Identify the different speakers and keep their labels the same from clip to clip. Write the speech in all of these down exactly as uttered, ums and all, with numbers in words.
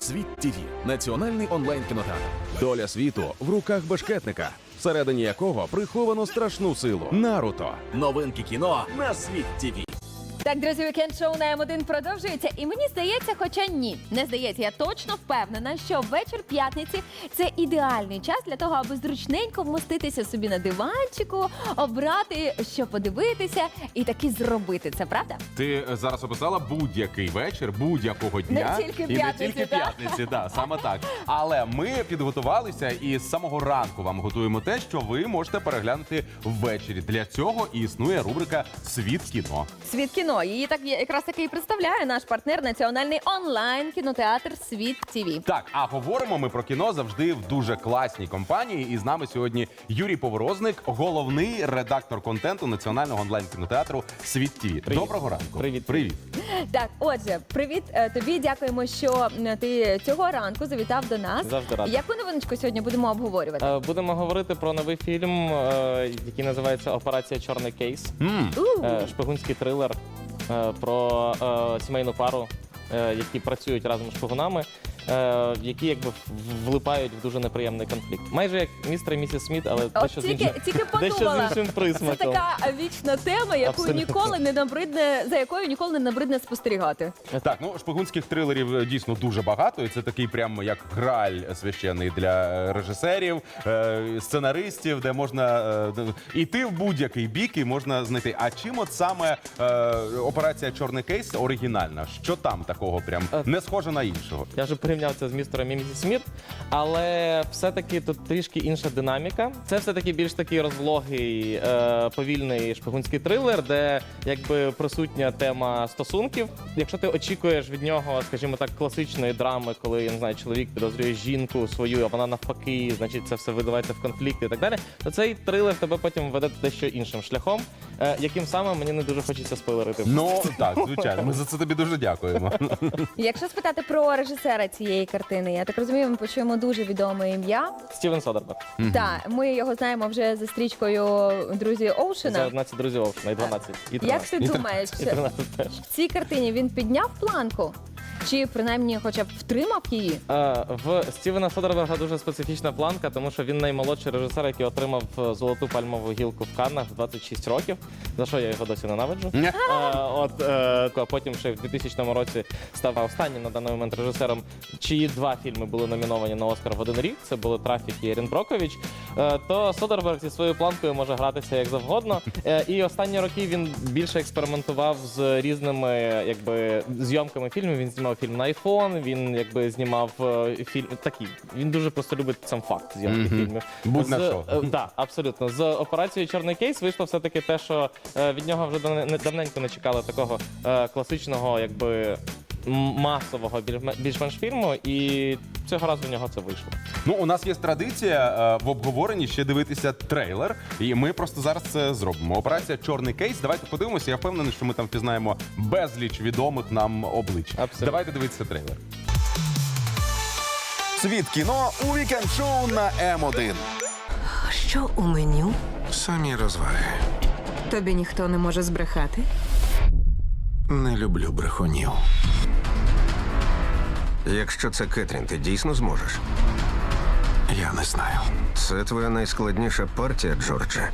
Speaker 1: Світ ТВ – національний онлайн-кінотеатр. Доля світу в руках бешкетника, всередині якого приховано страшну силу. Наруто. Новинки кіно на Світ ТВ.
Speaker 2: Так, друзі, вікенд-шоу на М один продовжується. І мені здається, хоча ні, не здається, я точно впевнена, що вечір п'ятниці – це ідеальний час для того, аби зручненько вмоститися собі на диванчику, обрати, що подивитися і таки зробити це, правда?
Speaker 3: Ти зараз описала будь-який вечір, будь-якого дня.
Speaker 2: Не тільки
Speaker 3: і не
Speaker 2: п'ятниці,
Speaker 3: тільки
Speaker 2: так?
Speaker 3: п'ятниці, да, саме так. Але ми підготувалися і з самого ранку вам готуємо те, що ви можете переглянути ввечері. Для цього і існує рубрика «Світ кіно».
Speaker 2: Світ кіно. Її так якраз таки і представляє наш партнер національний онлайн-кінотеатр Світ ТВ.
Speaker 3: Так, а говоримо ми про кіно завжди в дуже класній компанії. І з нами сьогодні Юрій Поворозник, головний редактор контенту національного онлайн-кінотеатру Світ ТВ. Доброго ранку.
Speaker 4: Привіт.
Speaker 3: Привіт.
Speaker 2: Так, отже, привіт е, тобі. Дякуємо, що м, ти цього ранку завітав до нас.
Speaker 4: Завжди радий.
Speaker 2: Яку новиночку сьогодні будемо обговорювати?
Speaker 4: Е, Будемо говорити про новий фільм, е, який називається «Операція Чорний кейс».
Speaker 3: М.
Speaker 2: У,
Speaker 4: Е, Шпигунський трилер е, про е, сімейну пару, е, які працюють разом з шпигунами, е, які якби в- влипають в дуже неприємний конфлікт. Майже як містер і місіс Сміт, але
Speaker 2: От
Speaker 4: дещо з
Speaker 2: тільки,
Speaker 4: іншим,
Speaker 2: тільки
Speaker 4: дещо з
Speaker 2: подумала.
Speaker 4: іншим
Speaker 2: Це
Speaker 4: присмаком.
Speaker 2: така вічна тема, яку
Speaker 4: Абсолютно.
Speaker 2: ніколи не набридне, за якою ніколи не набридне спостерігати.
Speaker 3: Так, ну шпигунських трилерів е, дійсно дуже багато, і це такий прямо як граль священний для е, режисерів, е, сценаристів, де можна е, д- йти в будь-який бік і можна знайти. А чим от саме е, операція Чорний кейс оригінальна? Що там такого прям
Speaker 4: Е,
Speaker 3: не схоже на іншого?
Speaker 4: Я вже порівняв це з містером і місіс Сміт, але все-таки тут трішки інша динаміка. Це все-таки більш такий розлогий, е, повільний шпигунський трилер, де якби присутня тема стосунків. Якщо ти очікуєш від нього, скажімо так, класичної драми, коли, я не знаю, чоловік підозрює жінку свою, а вона навпаки, значить це все видавається в конфлікти і так далі, то цей трилер тебе потім веде дещо іншим шляхом, е, яким саме мені не дуже хочеться спойлерити.
Speaker 3: Ну так, звичайно. Ми за це тобі дуже дякуємо.
Speaker 2: Якщо спитати про режисера цієї картини, я так розумію, ми почуємо дуже відоме ім'я.
Speaker 4: Стівен Содерберг.
Speaker 2: Так, ми його знаємо вже за стрічкою «Друзі
Speaker 4: За
Speaker 2: Оушена».
Speaker 4: одинадцять друзів Оушена, і дванадцять, і
Speaker 2: Як
Speaker 4: тринадцять.
Speaker 2: ти думаєш,
Speaker 4: І тринадцять теж.
Speaker 2: в цій картині він підняв планку? Чи принаймні хоча б втримав її?
Speaker 4: Е, В Стівена Содерберга дуже специфічна планка, тому що він наймолодший режисер, який отримав е, золоту пальмову гілку в Каннах в двадцять шість років, за що я його досі ненавиджу. Е, От е, а потім ще в двохтисячному році став останнім на даний момент режисером, чиї два фільми були номіновані на Оскар в один рік. Це були «Трафік» і «Ерін Брокович». Е, То Содерберг зі своєю планкою може гратися як завгодно. Е, І останні роки він більше експериментував з різними якби зйомками фільмів. Він знімав фільм на айфон, він якби знімав е, фільм такі. Він дуже просто любить сам факт зйомки
Speaker 3: Мгм.
Speaker 4: фільмів.
Speaker 3: Будь на
Speaker 4: З-
Speaker 3: що.
Speaker 4: е, Так, абсолютно. З операцією «Чорний кейс» вийшло все-таки те, що е, від нього вже давне- не- давненько не чекали такого е, класичного, якби м- масового більш- більш-менш фільму, і цього разу в нього це вийшло.
Speaker 3: Ну, у нас є традиція е, в обговоренні ще дивитися трейлер, і ми просто зараз це зробимо. Операція «Чорний кейс». Давайте подивимося. Я впевнений, що ми там впізнаємо безліч відомих нам облич.
Speaker 4: Абсолютно.
Speaker 3: Давайте дивитися трейлер.
Speaker 1: Світ кіно у вікенд-шоу на М один.
Speaker 5: Що у меню?
Speaker 6: Самі розваги.
Speaker 5: Тобі ніхто не може збрехати?
Speaker 6: Не люблю брехунів. Якщо це Кетрін, ти дійсно зможеш? Я не знаю. Це твоя найскладніша партія, Джордже.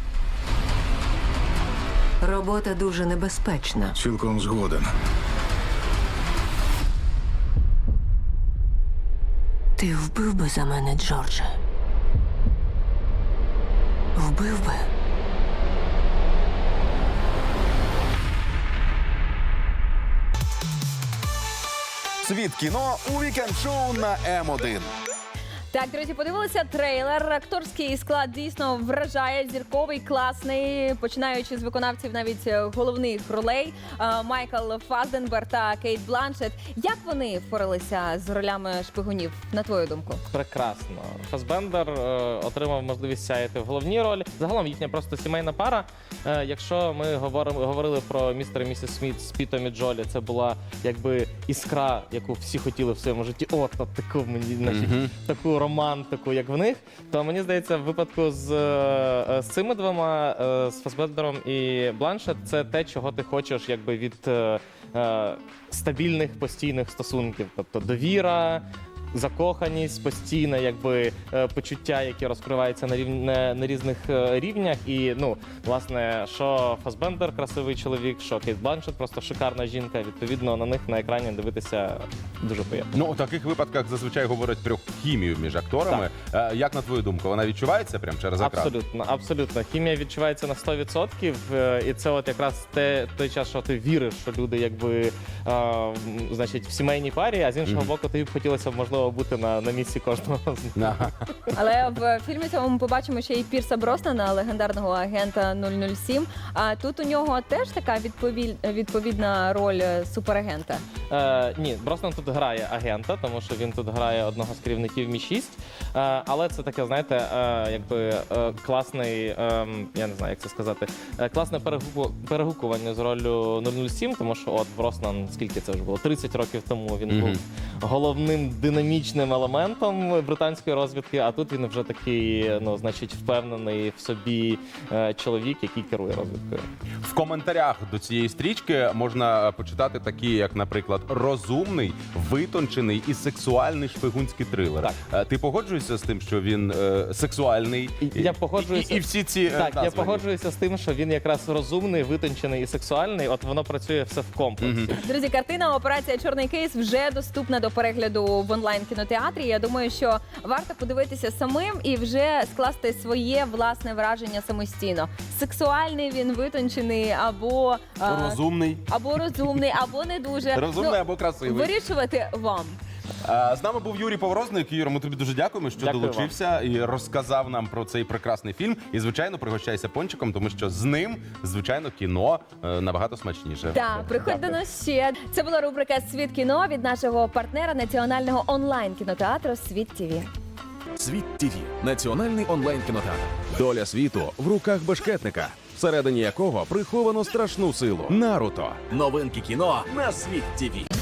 Speaker 5: Робота дуже небезпечна.
Speaker 6: Цілком згоден.
Speaker 5: Ти вбив би за мене, Джордже? Вбив би?
Speaker 1: Світ кіно у вікенд-шоу на М один.
Speaker 2: Так, друзі, подивилися трейлер. Акторський склад дійсно вражає, зірковий, класний, починаючи з виконавців навіть е, головних ролей е, Майкл Фассбендер та Кейт Бланшетт. Як вони впоралися з ролями шпигунів, на твою думку?
Speaker 4: Прекрасно. Фасбендер е, отримав можливість сяяти в головній ролі. Загалом їхня просто сімейна пара. Е, якщо ми говоримо, говорили про містер і місіс Сміт з Пітом і Джолі, це була якби іскра, яку всі хотіли в своєму житті. От, от таку мені, значить,
Speaker 3: Мгм.
Speaker 4: таку романтику, як в них. То мені здається, в випадку з, е, з цими двома, е, з Фасбендером і Бланшетт, це те, чого ти хочеш якби від е, е, стабільних постійних стосунків. Тобто довіра, закоханість, постійне якби е, почуття, які розкриваються на рів... на, на різних е, рівнях. І ну, власне, що Фасбендер красивий чоловік, що Кейт Бланшет просто шикарна жінка. Відповідно, на них на екрані дивитися дуже приємно.
Speaker 3: Ну, у таких випадках зазвичай говорять про хімію між акторами. Е, Як на твою думку, вона відчувається прямо через екран?
Speaker 4: Абсолютно, абсолютно. Хімія відчувається на сто відсотків, е, і це от якраз те, той час, що ти віриш, що люди якби е, м, значить, в сімейній парі, а з іншого
Speaker 3: Мгм.
Speaker 4: боку, тобі б хотілося б, можливо, бути на, на місці кожного з них.
Speaker 3: Ага.
Speaker 2: Але в фільмі цьому ми побачимо ще й Пірса Броснана, легендарного агента нуль нуль сім. А тут у нього теж така відповіль... відповідна роль суперагента.
Speaker 4: Е, ні, Броснан тут грає агента, тому що він тут грає одного з керівників Мі шість. Е, але це таке, знаєте, е, якби е, класний, е, я не знаю, як це сказати, е, класне перегуку... перегукування з роллю нуль нуль сім, тому що от Броснан, скільки це вже було? тридцять років тому він
Speaker 3: Мгм.
Speaker 4: був головним динамічним елементом британської розвідки, а тут він вже такий, ну, значить, впевнений в собі е, чоловік, який керує розвідкою.
Speaker 3: В коментарях до цієї стрічки можна почитати такі, як, наприклад, розумний, витончений і сексуальний шпигунський трилер.
Speaker 4: Так.
Speaker 3: Е, Ти погоджуєшся з тим, що він е, сексуальний?
Speaker 4: І- я погоджуюся.
Speaker 3: І, і всі ці е,
Speaker 4: Так, я
Speaker 3: названі.
Speaker 4: погоджуюся з тим, що він якраз розумний, витончений і сексуальний. От воно працює все в комплексі.
Speaker 2: Друзі, картина «Операція Чорний кейс» вже доступна до перегляду в онлайн-кінотеатрі. Я думаю, що варто подивитися самим і вже скласти своє власне враження самостійно. Сексуальний він, витончений або, а,
Speaker 3: Розумний.
Speaker 2: або розумний, або не дуже.
Speaker 3: Розумний
Speaker 2: Ну,
Speaker 3: або красивий.
Speaker 2: Вирішувати вам.
Speaker 3: Е, З нами був Юрій Поворозник. Юра, ми тобі дуже дякуємо, що
Speaker 4: Дякую
Speaker 3: долучився і розказав нам про цей прекрасний фільм. І, звичайно, пригощайся пончиком, тому що з ним, звичайно, кіно е, набагато смачніше.
Speaker 2: Так, приходь до нас ще. Це була рубрика «Світ кіно» від нашого партнера національного онлайн-кінотеатру «Світ ТІВІ».
Speaker 1: Світ ТІВІ – національний онлайн-кінотеатр. Доля світу в руках бешкетника, всередині якого приховано страшну силу. Наруто. Новинки кіно на Світ ТІВІ.